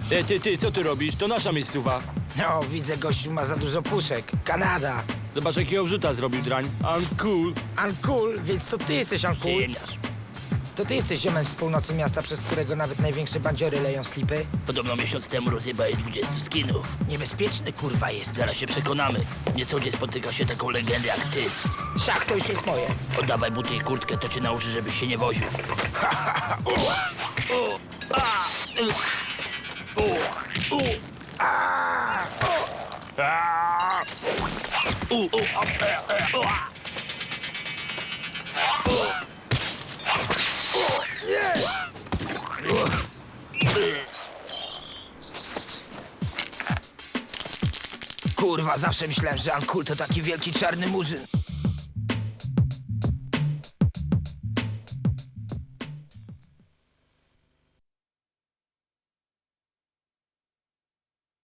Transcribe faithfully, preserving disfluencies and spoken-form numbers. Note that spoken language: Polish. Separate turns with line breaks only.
E, ty, ty, co ty robisz? To nasza miejscowa.
No, widzę, gościu ma za dużo puszek. Kanada.
Zobacz, jakiego wrzuta zrobił drań. Uncool.
Uncool, więc to ty jesteś uncool.
Przyjemniarz.
To ty jesteś ziomem z północy miasta, przez którego nawet największe bandziory leją slipy?
Podobno miesiąc temu rozjebali dwudziestu skinów.
Niebezpieczny kurwa jest.
Zaraz się przekonamy. Nie co dzień spotyka się taką legendę jak ty.
Szach to już jest moje.
Oddawaj buty i kurtkę, to cię nauczy, żebyś się nie woził.
Kurwa, zawsze myślałem, że uncool to taki wielki czarny murzyn.